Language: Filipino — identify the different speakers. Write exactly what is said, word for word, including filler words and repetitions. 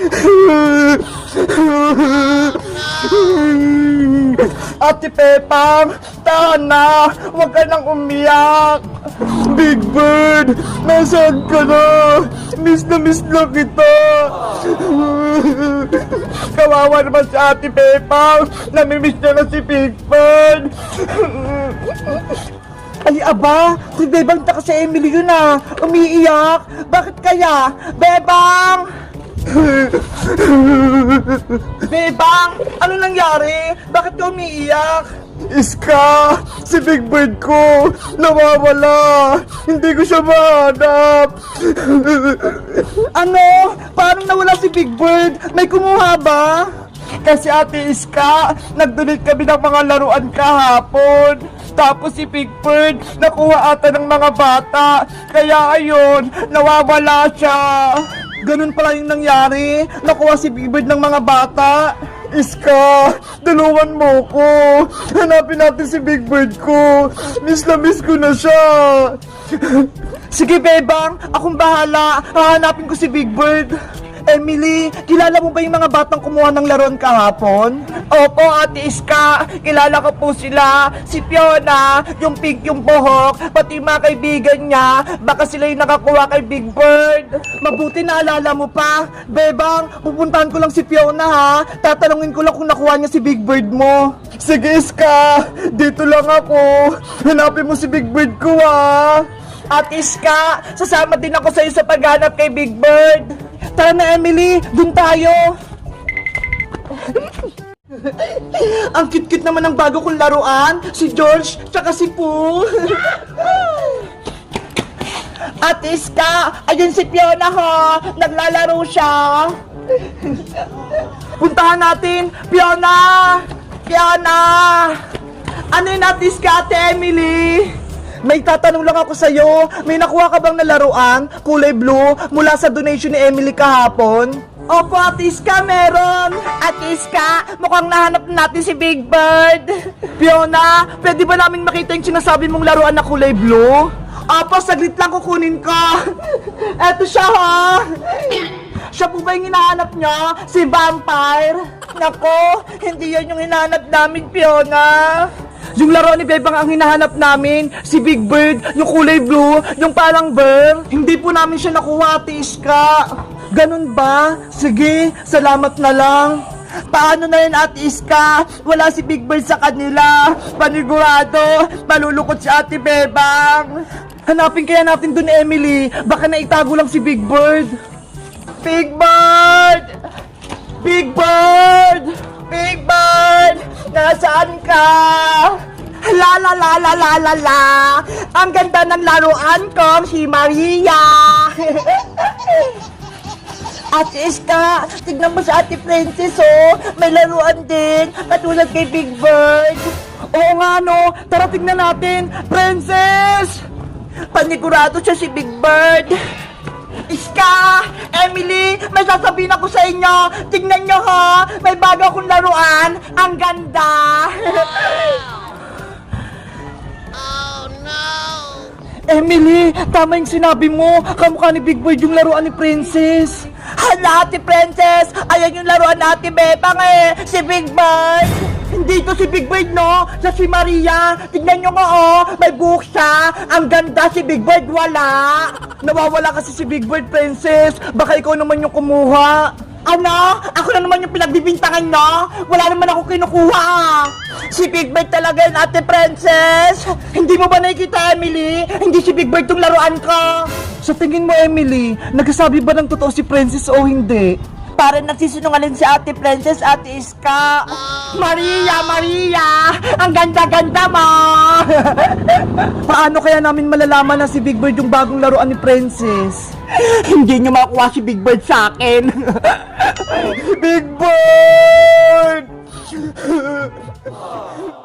Speaker 1: Ate Pepang, tahan na! Huwag ka nang umiyak! Big Bird, nasaan ka na? Miss na miss na kita! Kawawa naman si Ate Pepang! Namimiss niya na si Big Bird! Ay, aba! Si Bebang taka si Emily yun ah! Umiiyak! Bakit kaya? Bebang! Bebang! Ano nangyari? Bakit ka umiiyak? Iska! Si Big Bird ko! Nawawala! Hindi ko siya mahanap! Ano? Parang nawala si Big Bird? May kumuha ba? Kasi Ate Iska, nag-donate kami ng mga laruan kahapon. Tapos si Big Bird, nakuha ata ng mga bata. Kaya ayun, nawawala siya. Ganun pala yung nangyari. Nakuha si Big Bird ng mga bata. Iska, tulungan mo ko. Hanapin natin si Big Bird ko. Miss na miss ko na siya. Sige, Bebang. Akong bahala. Hahanapin ko si Big Bird. Emily, kilala mo ba yung mga batang kumuha ng laruan kahapon? Opo, Ate Iska. Kilala ko po sila. Si Fiona, yung pink yung buhok, pati mga kaibigan niya. Baka sila yung nakakuha kay Big Bird. Mabuti naalala mo pa. Bebang, pupuntahan ko lang si Fiona ha. Tatanungin ko lang kung nakuha niya si Big Bird mo. Sige, Iska. Dito lang ako. Hanapin mo si Big Bird ko ha. Ate Iska, sasama din ako sa iyo sa paghanap kay Big Bird. Tara na, Emily, dun tayo. Ang cute-cute naman ng bago kong laruan, si George, tsaka si Pooh. Ate Iska, ayun si Fiona ho, naglalaro siya. Puntahan natin, Fiona! Fiona! Ano yun, Ate Iska, Ate Emily? May tatanong lang ako sa'yo. May nakuha ka bang na laruan, kulay blue, mula sa donation ni Emily kahapon? Opo, Ate Iska, meron. Ate Iska, mukhang nahanap natin si Big Bird. Fiona, pwede ba namin makita yung sinasabi mong laruan na kulay blue? Opo, saglit lang kukunin ko. Eto siya, ha? Siya po ba yung hinahanap niya? Si Vampire? Nako, hindi yan yung hinahanap namin, Fiona. Yung laro ni Bebang ang hinahanap namin, si Big Bird, yung kulay blue, yung parang bear. Hindi po namin siya nakuha, Ate Iska. Ganun ba? Sige, salamat na lang. Paano na yun, Ate Iska? Wala si Big Bird sa kanila. Panigurado, malulukot si Ate Bebang. Hanapin kaya natin dun, Emily. Baka naitago lang si Big Bird. Big Bird! Big Bird! Big Bird! Nasaan ka? La la la la la la la! Ang ganda ng laruan ko, si Maria! Ate Iska, tignan mo sa Ate Princess, oh! May laruan din, katulad kay Big Bird! Oo nga, no! Tara tignan natin! Princess! Panigurado siya si Big Bird! Iska! Emily! May sasabihin ako sa inyo! Tingnan nyo ha! May bago akong laruan! Ang ganda! Oh no! Emily! Tama yung sinabi mo! Kamukha ni Big Bird yung laruan ni Princess! Hala, Ate Princess! Ayan yung laruan ni Ate Bebang eh! Si Big Bird! Hindi to si Big Bird, no? Siya si Maria. Tignan nyo nga, oh. May buhok siya. Ang ganda, si Big Bird, wala. Nawawala kasi si Big Bird, Princess. Baka ikaw naman yung kumuha. Ano? Ako na naman yung pinagbibintangan, no? Wala naman ako kinukuha. Si Big Bird talaga yun, Ate Princess. Hindi mo ba nakikita, Emily? Hindi si Big Bird tong laruan ko. Sa tingin mo, Emily, nagsasabi ba ng totoo si Princess o hindi? Parang nagsisinungaling si Ate Princess, Ate Iska. Maria, Maria! Ang ganda-ganda mo! Paano kaya namin malalaman na si Big Bird yung bagong laruan ni Princess? Hindi niyo makuha si Big Bird sa akin. Big Bird!